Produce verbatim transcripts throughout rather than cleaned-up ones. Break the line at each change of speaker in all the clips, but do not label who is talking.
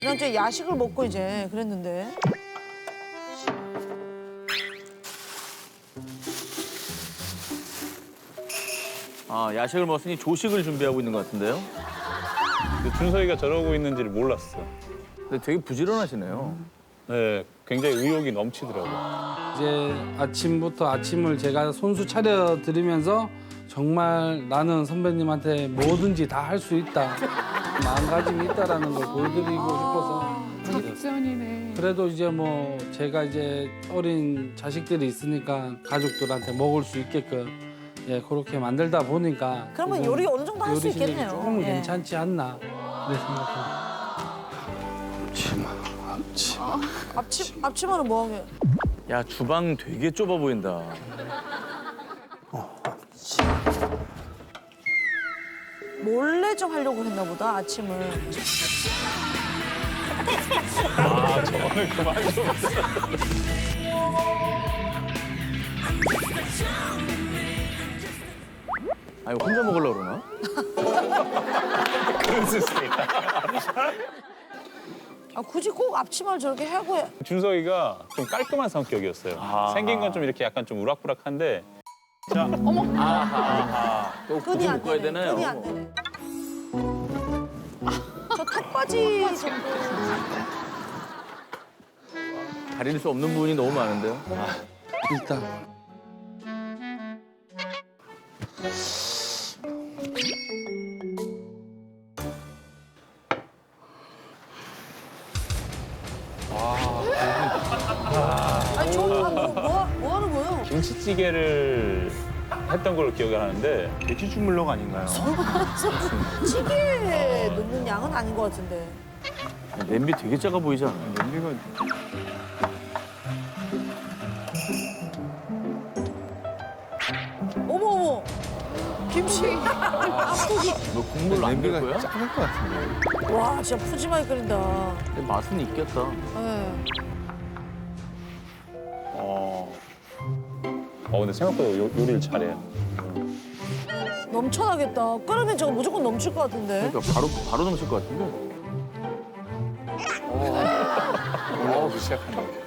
난 저 야식을 먹고 이제 그랬는데.
아, 야식을 먹었으니 조식을 준비하고 있는 것 같은데요?
근데 준석이가 저러고 있는지를 몰랐어.
근데 되게 부지런하시네요.
네, 굉장히 의욕이 넘치더라고.
이제 아침부터 아침을 제가 손수 차려 드리면서 정말 나는 선배님한테 뭐든지 다 할 수 있다. 마음가짐이 있다라는 걸 보여드리고 싶어서.
작전이네.
그래도 이제 뭐 제가 이제 어린 자식들이 있으니까 가족들한테 먹을 수 있게끔 예 그렇게 만들다 보니까
그러면
조금
요리 어느 정도 할 수
요리 실력이
있겠네요.
조금
예.
괜찮지 않나 그래 생각합니다.
앞치마, 앞치마.
앞치 앞치마는 뭐 하게?
야, 주방 되게 좁아 보인다.
몰래 좀 하려고 했나 보다 아침을.
아, 저거는 그만 좀.
아, 이거 혼자 먹으려고 그러나?
그럴 수 있으니까.
아 굳이 꼭 앞치마를 저렇게 하고 해.
준석이가 좀 깔끔한 성격이었어요.
아.
생긴 건 좀 이렇게 약간 좀 우락부락한데. 자,
또
끈이
굳이
안
묶어야
되네.
되나요?
끈이 안 되네. 저 턱받이 정도.
가릴 수 없는 부분이 너무 많은데요?
일단
아니 저 아, 뭐, 뭐, 뭐 하는 거예요?
김치찌개를 했던 걸로 기억을 하는데
돼지 주물럭 아닌가요?
찌개에 넣는 양은 아닌 것 같은데.
냄비 되게 작아 보이지 않아요?
냄비가
어머 어머. 김치.
너 국물 안 될
냄비가
거야?
작을 것 같은데.
와 진짜 푸짐하게 끓인다.
근데 맛은 있겠다.
네.
어. 어, 근데 생각보다 요, 요리를 잘해요.
넘쳐나겠다. 끓으면 저거 무조건 넘칠 것 같은데.
그러니까 바로 바로 넘칠 것 같은데.
올라오기 시작한다.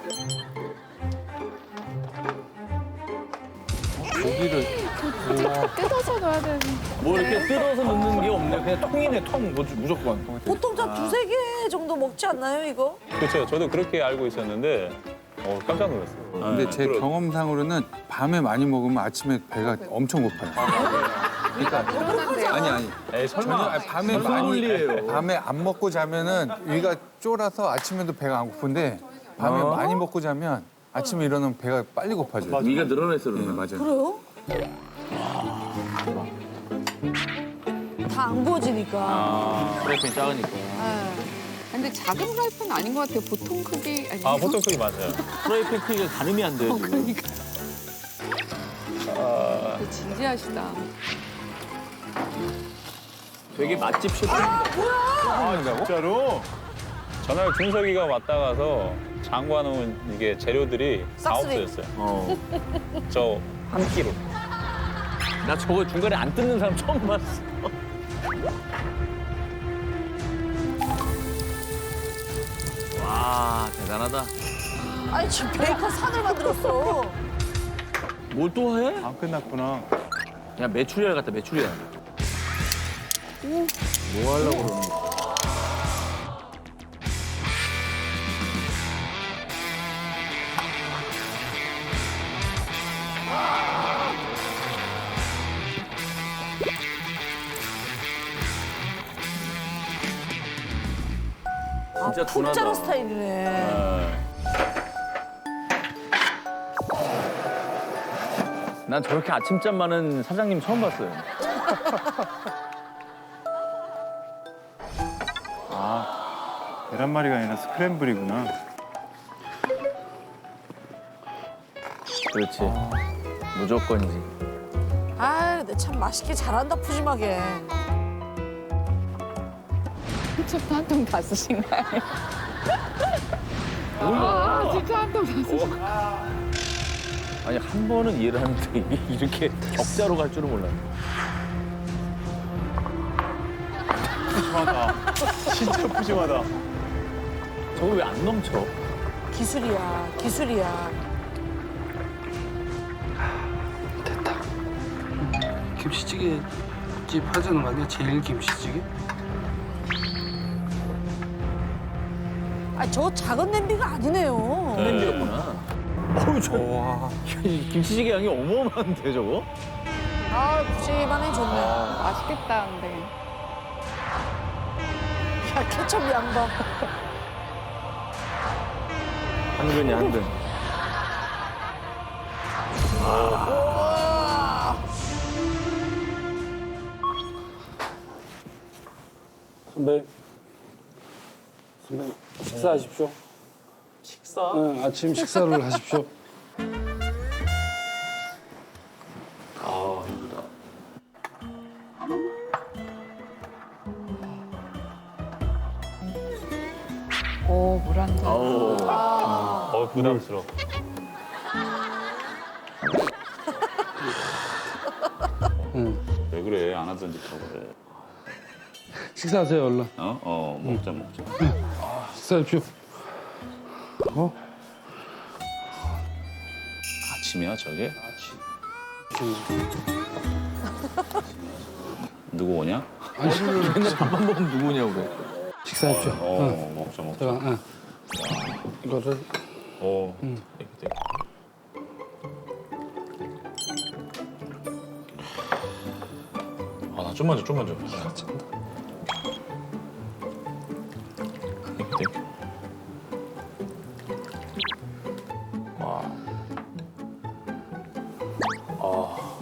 고기를
뜯어서 넣어야 되는.
뭐 이렇게 뜯어서 넣는 게 없네. 그냥 통이네, 통. 뭐 무조건.
보통 한 두세 개 정도 먹지 않나요 이거?
그렇죠. 저도 그렇게 알고 있었는데 어, 깜짝 놀랐어요.
근데 제
그러-
경험상으로는 밤에 많이 먹으면 아침에 배가 엄청 고파요. 그러니까 아니 아니.
에이,
저는
설마.
아니, 밤에
무슨
많이
논리예요?
밤에 안 먹고 자면은 위가 쫄아서 아침에도 배가 안 고픈데 밤에
어?
많이 먹고 자면 아침에 일어나면 배가 빨리 고파져요.
위가 늘어나서
네,
그러나.
맞아요.
그래요? 다 안 구워지니까.
아, 프라이팬 작으니까.
네.
근데 작은 프라이팬 아닌 것 같아요. 보통 크기 아니에요?
아, 보통 크기 맞아요.
프라이팬 크기가 가늠이 안 돼요, 지금.
그러니까. 되게 진지하시다.
되게 맛집 셰프.
아, 진짜로? 전날 준석이가 왔다 가서 장관놓은 이게 재료들이 다
싹쓸이.
없어졌어요.
어.
저 한 끼로.
나 저거 중간에 안 뜯는 사람 처음 봤어. 와, 대단하다.
아니 지금 베이컨 산을 만들었어.
뭘 또 해?
안 끝났구나.
야, 메추리알 같다, 메추리알. 뭐 하려고 그러는 거야? 진짜
아, 푹 자른
둔하다.
스타일이네.
어,
난 저렇게 아침잠 많은 사장님 처음 봤어요.
계란말이가 아니라 스크램블이구나.
그렇지. 무조건이지.
아, 근데 참 맛있게 잘한다 푸짐하게.
케첩도 한 통 다 쓰신 거예요? 아, 진짜 한 통 다 쓰신
아니, 한 번은 이해를 하는데 이게 이렇게 격자로 갈 줄은 몰랐네.
푸짐하다. 진짜 푸짐하다.
저거 왜 안 넘쳐?
기술이야, 기술이야.
됐다. 김치찌개 집 하자는 거 아니야? 제일 김치찌개?
아, 저 작은 냄비가 아니네요.
냄비였구나. 어우, 저
와.
김치찌개 양이 어마어마한데, 저거?
아, 푸짐하네, 좋네.
맛있겠다, 근데.
야, 케첩 양봐.
한근이야, 한근.
선배, 선배 식사하십시오. 식사? 네, 아침 식사를 하십시오.
아, 이거다.
오, 물 한 잔.
아우.
어 부담스러워.
응.
왜 그래? 안 하던 짓 하고 그래.
식사하세요, 얼른.
어? 어 먹자 먹자.
식사하십시오. 어?
아침이야 저게?
응.
누구 오냐?
맨날 밥만 먹으면 누구냐고 그래.
식사하십시오.
어
응.
먹자 먹자.
제가, 응. 이거를
어.
응.
되게 되게. 아나 좀만 줘 좀만 줘. 되게 되게. 와. 아.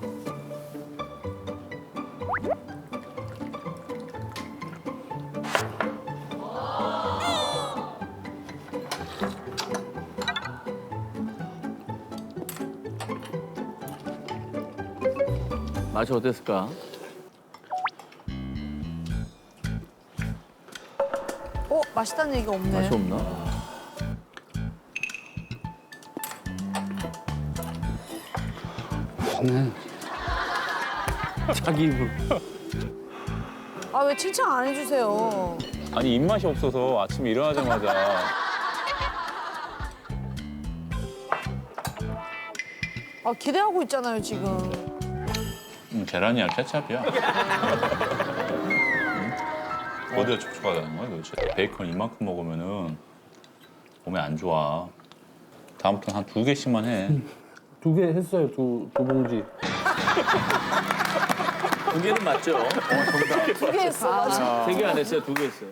맛이 어땠을까?
어, 맛있다는 얘기가 없네.
맛이 없나?
네.
자기 입으로.
아, 왜 칭찬 안 해주세요?
아니 입맛이 없어서 아침에 일어나자마자
아, 기대하고 있잖아요, 지금.
음, 계란이야 케찹이야. 응? 어디가 촉촉하다는 거야 도대체? 베이컨 이만큼 먹으면은 몸에 안 좋아. 다음부터는 한 두 개씩만 해.
두 개 했어요, 두, 두 봉지.
두 개는 맞죠? 어, 정답.
두 개 했어, 맞아.
세 개 안 했어요, 두 개 했어요.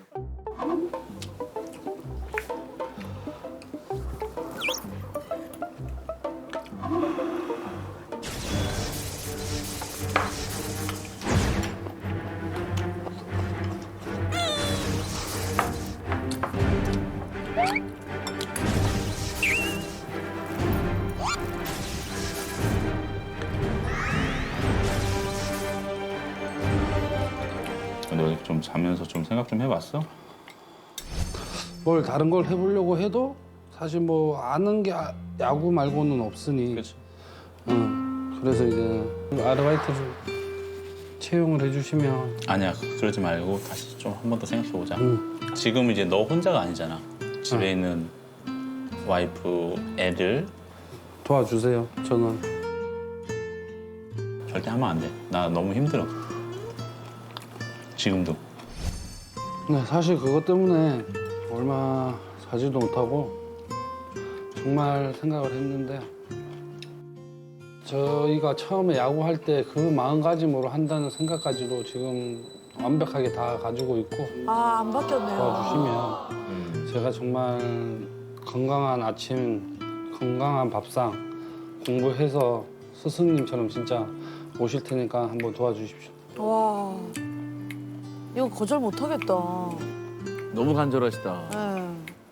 너 좀 자면서 좀 생각 좀 해봤어?
뭘 다른 걸 해보려고 해도 사실 뭐 아는 게 아- 야구 말고는 없으니.
그렇지.
응. 그래서 이제 아르바이트를 채용을 해주시면.
아니야 그러지 말고 다시 좀 한 번 더 생각해보자.
응.
지금 이제 너 혼자가 아니잖아. 집에
응.
있는 와이프, 애들
도와주세요. 저는
절대 하면 안 돼. 나 너무 힘들어. 지금도.
네, 사실 그것 때문에 얼마 사지도 못하고 정말 생각을 했는데 저희가 처음에 야구할 때 그 마음가짐으로 한다는 생각까지도 지금 완벽하게 다 가지고 있고
아, 안 바뀌었네요.
도와주시면 제가 정말 건강한 아침, 건강한 밥상 공부해서 스승님처럼 진짜 오실 테니까 한번 도와주십시오.
와, 이거 거절 못 하겠다.
너무 간절하시다.
네.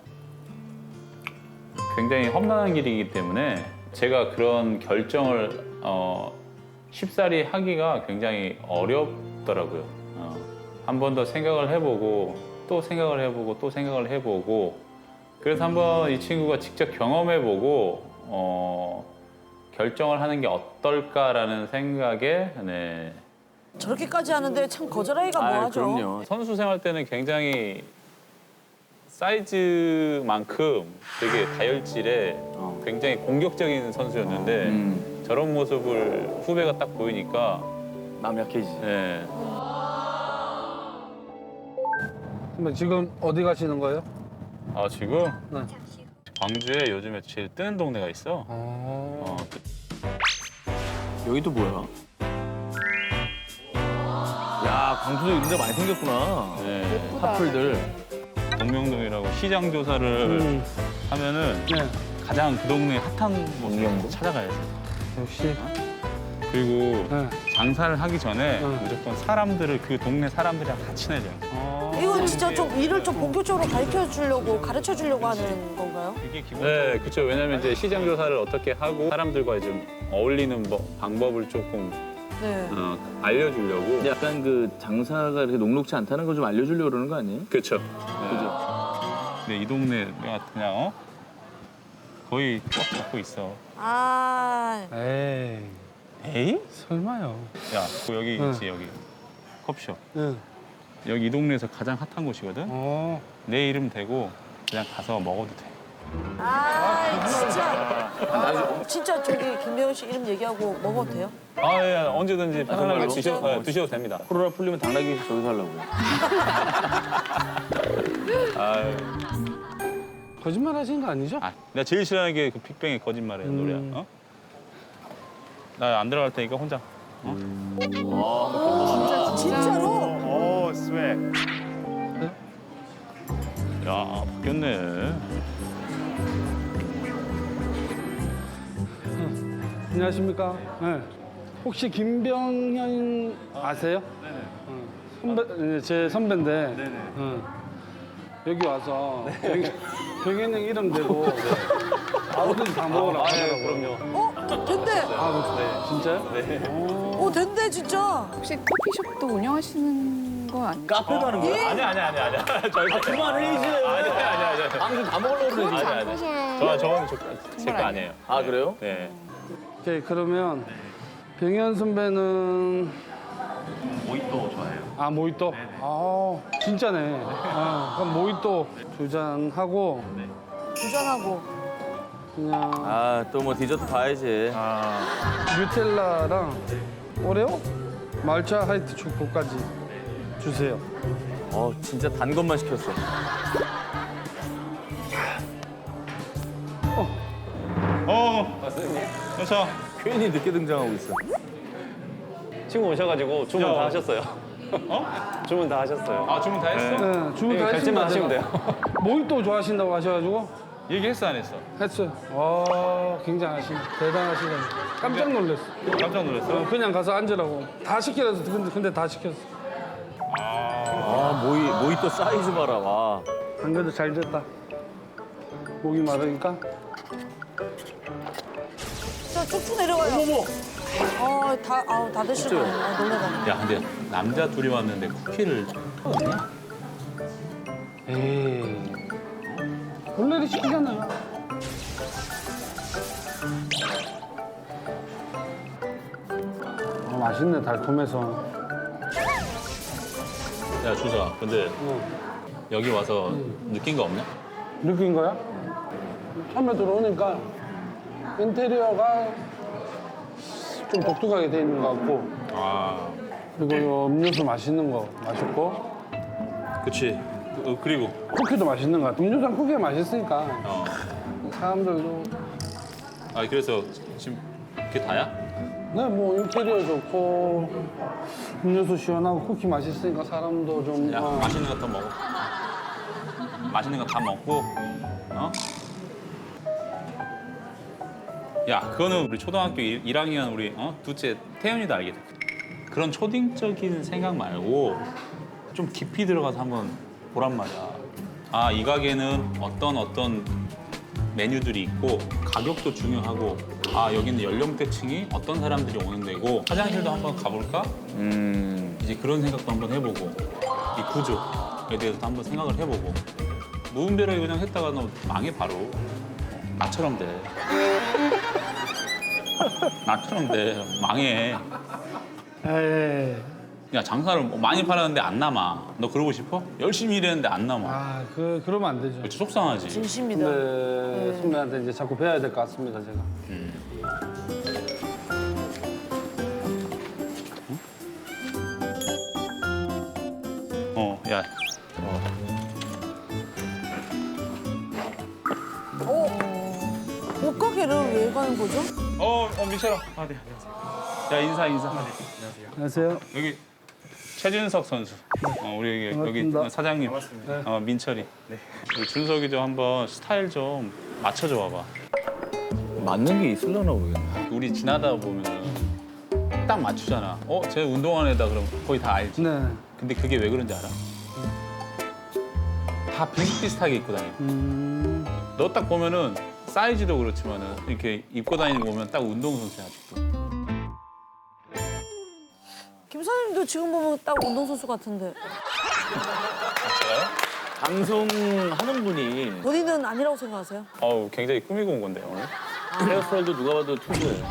굉장히 험난한 길이기 때문에 제가 그런 결정을 어, 쉽사리 하기가 굉장히 어렵더라고요. 어, 한 번 더 생각을 해보고 또 생각을 해보고 또 생각을 해보고 그래서 한번 이 친구가 직접 경험해보고 어, 결정을 하는 게 어떨까라는 생각에 네.
저렇게까지 하는데 참 거절하기가
아,
뭐하죠?
그럼요.
선수 생활 때는 굉장히 사이즈만큼 되게 다혈질에 굉장히 공격적인 선수였는데
음.
저런 모습을 후배가 딱 보이니까
마음 약해지지.
네.
선배 지금 어디 가시는 거예요?
아 지금
네.
광주에 요즘에 제일 뜨는 동네가 있어. 어,
여기도 뭐야? 야, 광주도 이런 데 많이 생겼구나.
네.
커플들.
동명동이라고 시장 조사를
음.
하면은
네.
가장 그 동네 핫한
동명동?
곳을 찾아가야지.
역시.
그리고
네.
장사를 하기 전에
응.
무조건 사람들을 그 동네 사람들이랑 다 친해져.
이건 진짜 좀 일을 좀 본격적으로 가르쳐 주려고 가르쳐 주려고 하는 건가요?
이게 기본. 네, 그렇죠. 왜냐면 이제 시장 조사를 어떻게 하고 사람들과 좀 어울리는 뭐 방법을 조금
네.
어, 알려주려고.
근데 약간 그 장사가 이렇게 녹록치 않다는 걸 좀 알려주려고 그러는 거 아니에요?
그렇죠.
그죠?
근데 이 동네 내가 그냥 어? 거의 꽉 잡고 있어.
아,
에이.
에이?
설마요.
야, 그 여기
응.
있지 여기 커피숍.
네.
여기 이 동네에서 가장 핫한 곳이거든.
어.
내 이름 대고 그냥 가서 먹어도 돼.
아, 진짜. 진짜 저기 김배원 씨 이름 얘기하고 먹어도 돼요?
아, 예, 언제든지 편안하게
정말로?
드셔, 예, 드셔도 됩니다.
코로나 풀리면 당나귀 저기서 하려고요.
아유.
거짓말 하신 거 아니죠?
아, 내가 제일 싫어하는 게 그 빅뱅의 거짓말이야
음.
노래야. 어? 나 안 들어갈 테니까 혼자.
진짜로?
야, 바뀌었네.
안녕하십니까? 네. 혹시 김병현 아세요? 네네. 선배, 네, 제 선배인데. 네네. 여기 와서 병, 병현 형 이름 대고 뭐든지 다 먹으라고 하더라고요.
어? 된대.
아, 네. 진짜요? 네.
어, 된대, 진짜.
혹시 커피숍도 운영하시는 거 아니에요?
카페 가는 거야?
아니야, 아니야, 아니야, 아니야. 저희
그만해, 이제.
아니야, 아니야, 아니야.
방송 다 먹으려고 그러지.
아니야, 아니야. 저, 저건 제거 아니에요.
아, 그래요?
네.
오케이, 그러면 병현 선배는
모히또 좋아해요.
아, 모히또? 아, 진짜네. 아, 그럼 모히또 두 잔 하고
부전하고.
그냥
아, 또 뭐 디저트 봐야지.
뉴텔라랑 오레오? 말차 화이트 초코까지 주세요.
어, 진짜 단 것만 시켰어.
어, 그렇죠.
괜히 늦게 등장하고 있어.
친구 오셔가지고 주문
야.
다 하셨어요.
어?
주문 다 하셨어요.
아, 주문 다 했어?
네, 주문 다
결제만
했습니다.
하시면 돼요.
모히또 좋아하신다고 하셔가지고
얘기했어, 안 했어?
했어요. 와, 굉장하신, 대단하시네. 깜짝 놀랐어.
깜짝 놀랐어.
어, 그냥 가서 앉으라고. 다 시키라서 근데, 근데 다 시켰어.
아, 모이, 모히또 사이즈 봐라, 와.
안 그래도 잘 됐다. 목이 마르니까.
자, 쭉쭉 내려가요. 어머머. 어, 다, 아우, 다 드시고. 아, 놀래라.
야, 근데 남자 둘이 왔는데 쿠키를 먹냐?
에이. 원래는 시키잖아요. 아, 맛있네, 달콤해서.
야, 주사. 근데
어.
여기 와서 느낀 거 없냐?
느낀 거야? 처음에 들어오니까 인테리어가 좀 독특하게 돼 있는 것 같고,
아,
그리고 요 음료수 맛있는 거 맛있고,
그치. 어, 그리고
쿠키도 맛있는 것 같아. 음료수랑 쿠키가 맛있으니까
어.
사람들도
아, 그래서 지금 그게 다야?
네, 뭐 인테리어 좋고 음료수 시원하고 쿠키 맛있으니까 사람도 좀
야,
어,
맛있는 거 더 먹어. 맛있는 거 다 먹고, 어? 야, 그거는 우리 초등학교 일 학년 우리 어? 둘째 태연이도 알겠다. 그런 초딩적인 생각 말고 좀 깊이 들어가서 한번 보란 말이야. 아, 이 가게는 어떤 어떤 메뉴들이 있고 가격도 중요하고 아, 여기는 연령대층이 어떤 사람들이 오는 데고 화장실도 한번 가볼까?
음.
이제 그런 생각도 한번 해보고 이 구조에 대해서도 한번 생각을 해보고 무분별하게 그냥 했다가 너 망해 바로. 나처럼 돼. 나처럼 돼. 망해.
에이,
야 장사를 많이 팔았는데 안 남아. 너 그러고 싶어? 열심히 일했는데 안 남아.
아, 그 그러면 안 되죠.
그치, 속상하지.
진심이다.
네, 선배한테 이제 자꾸 배워야 될 것 같습니다, 제가.
어, 야.
옷가게를 왜 가는 거죠?
어, 어 민철아. 아, 네. 야 인사 인사.
안녕하세요.
여기 최준석 선수. 어, 우리 여기, 여기
반갑습니다.
사장님. 어, 민철이. 우리 준석이 좀 한번 스타일 좀 맞춰줘 봐봐.
맞는 게 있으려나 모르겠네.
우리 지나다 보면은 딱 맞추잖아. 어, 쟤 운동하는 애다 그러면 거의 다 알지.
네.
근데 그게 왜 그런지 알아? 다 비슷비슷하게 입고 다녀.
음,
너 딱 보면은 사이즈도 그렇지만은 이렇게 입고 다니는 거 보면 딱 운동선수야 아직도.
김 사장님도 지금 보면 딱 운동선수 같은데.
방송하는 분이
본인은 아니라고 생각하세요?
어우 굉장히 꾸미고 온 건데 오늘.
헤어스타일도 누가 봐도 투구예요.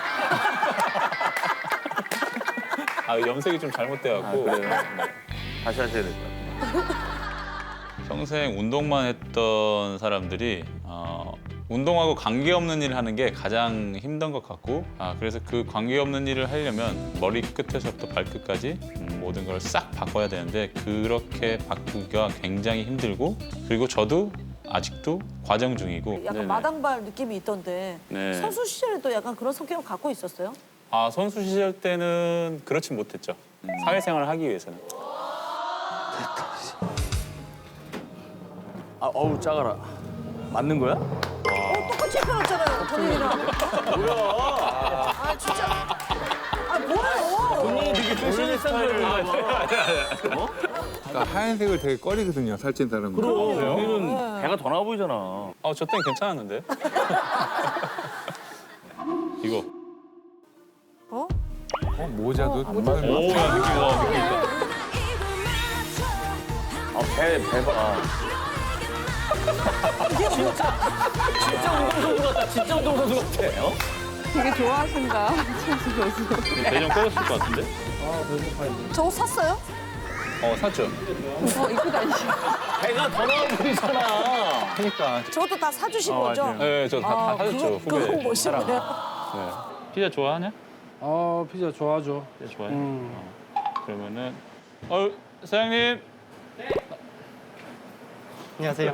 아 염색이 좀
아,
잘못돼갖고.
그래요? 네. 다시 하셔야 될 것 같아요.
평생 운동만 했던 사람들이 어, 운동하고 관계없는 일을 하는 게 가장 힘든 것 같고 아, 그래서 그 관계없는 일을 하려면 머리 끝에서부터 발끝까지 음, 모든 걸 싹 바꿔야 되는데 그렇게 바꾸기가 굉장히 힘들고 그리고 저도 아직도 과정 중이고
약간
네네.
마당발 느낌이 있던데
네.
선수 시절에도 약간 그런 성격을 갖고 있었어요?
아, 선수 시절 때는 그렇진 못했죠. 사회생활을 하기 위해서는.
아, 어우 작아라. 맞는 거야?
어, 똑같이 입혀놨잖아요, 본인이랑. 뭐야? 아, 진짜. 아, 뭐예요?
본인이 되게 패셔니스타인 줄 알고.
그러니까 하얀색을 되게 꺼리거든요, 살찐 사람은.
그럼
네.
우리는 배가 더 나와 보이잖아.
어, 저 때는 괜찮았는데. 이거.
어?
어, 모자도 정말
오, 야, 느낌, 와, 느낌 있다.
아, 배, 배 봐. 진짜, 진짜 운동선수 같다. 진짜 운동선수 같아. 어?
되게 좋아하신다. 천수 교수.
대전 꺼졌을 것 같은데?
저거 샀어요?
어, 샀죠.
어, 입고 다니시.
배가 더 나와 보이잖아.
그러니까.
저것도 다 사주신 거죠?
맞아요.
네, 저 다, 다 사줬죠.
그거, 그거
후배.
멋있네요.
네. 피자 좋아하냐?
어, 피자 좋아하죠.
피자 좋아해?
음.
어. 그러면은, 어, 사장님.
안녕하세요.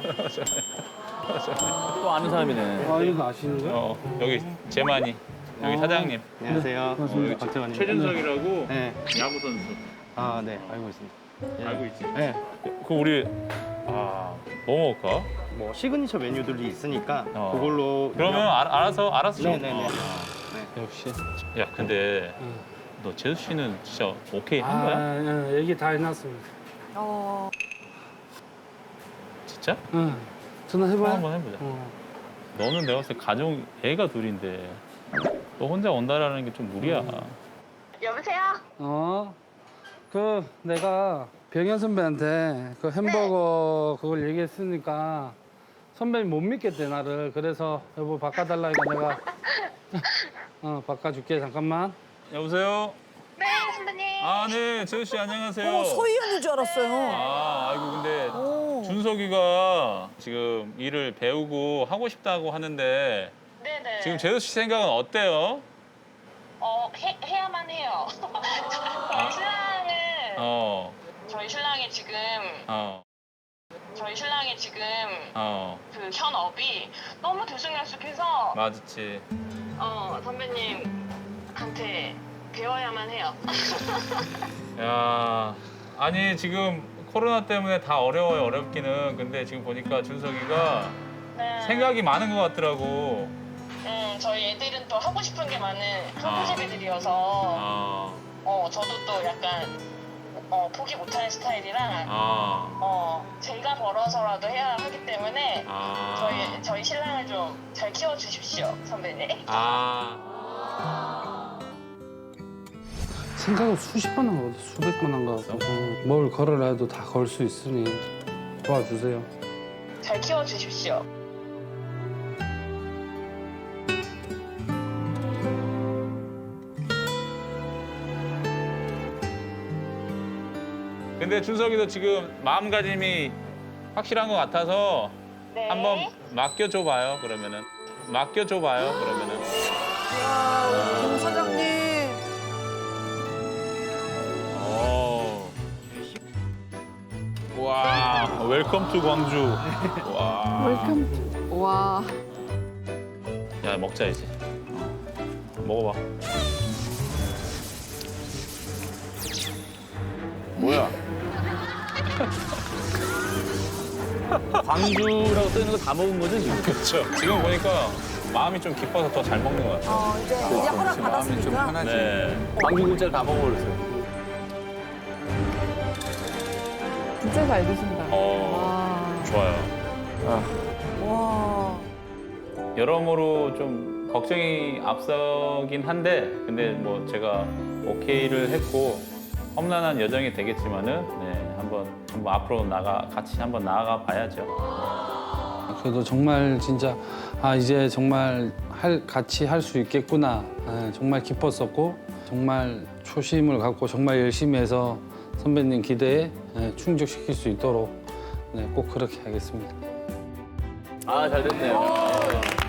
또 아는 사람이네.
아, 이거 아시는 거예요?
어, 여기 재만이. 여기 사장님.
안녕하세요.
여기
박태환입니다.
최준석이라고
네.
야구 선수.
아, 네. 알고 있습니다.
알고 있지?
네.
그 우리 아, 뭐 먹을까?
뭐 시그니처 메뉴들이 있으니까
어.
그걸로
그러면 알, 알아서 알아서 좀.
네네네.
어. 역시. 야, 근데 너 재수 씨는 진짜 오케이 한 거야?
아, 예, 얘기 다 해놨습니다.
어,
진짜?
응. 전화해봐요.
한번 해보자.
어.
너는 내가 봤을 때 가정 애가 둘인데 너 혼자 온다라는 게 좀 무리야.
여보세요?
어, 그 내가 병현 선배한테 그 햄버거 그걸 얘기했으니까 선배님 못 믿겠대 나를. 그래서 여보 바꿔달라니까 내가 어 바꿔줄게. 잠깐만.
여보세요?
네, 선배님.
아, 네, 재수 씨 안녕하세요.
어, 서희 언니인 줄 알았어요.
아, 아이고 근데
오.
준석이가 지금 일을 배우고 하고 싶다고 하는데
네네.
지금 재수 씨 생각은 어때요?
어, 해, 해야만 해요. 저희 신랑은,
어,
저희 신랑이 지금,
어,
저희 신랑이 지금
어,
그 현업이 너무 들쑥날쑥해서,
맞지.
어, 선배님한테 배워야만 해요.
야, 아니 지금 코로나 때문에 다 어려워요, 어렵기는. 근데 지금 보니까 준석이가
네.
생각이 많은 것 같더라고.
음, 저희 애들은 또 하고 싶은 게 많은
아.
한국집애들이어서,
아,
어, 저도 또 약간, 어, 포기 못하는 스타일이라,
아,
어, 제가 벌어서라도 해야 하기 때문에,
아,
저희 저희 신랑을 좀 잘 키워 주십시오, 선배님.
아,
생각을 수십 번 한 거 같아. 수백 번 한 거 같고. 어, 뭘 걸으라 해도 다 걸 수 있으니 도와주세요.
잘 키워 주십시오.
근데 준석이도 지금 마음가짐이 확실한 것 같아서
네.
한번 맡겨줘 봐요. 그러면은 맡겨줘 봐요. 그러면은.
야, 우리 김 사장님.
오. 와, 웰컴 투 광주. 와.
웰컴. 와.
야, 먹자 이제. 먹어봐.
뭐야? 광주라고 써있는 거 다 먹은 거죠, 지금?
그렇죠. 지금 보니까 마음이 좀 깊어서 더 잘 먹는 것 같아요.
어, 이제, 이제 허락
마음이 좀
받았으니까.
편하지.
네.
광주 굴자를 다 먹어버렸어요.
진짜 잘 드신다.
어,
와.
좋아요.
와.
여러모로 좀 걱정이 앞서긴 한데, 근데 뭐 제가 오케이를 했고 험난한 여정이 되겠지만은, 네, 한번 한번 앞으로 나가 같이 한번 나아가 봐야죠.
그래도 정말 진짜 아 이제 정말 할 같이 할 수 있겠구나. 아, 정말 기뻤었고 정말 초심을 갖고 정말 열심히 해서 선배님 기대에 예, 충족시킬 수 있도록 네, 꼭 그렇게 하겠습니다.
아, 잘 됐네요.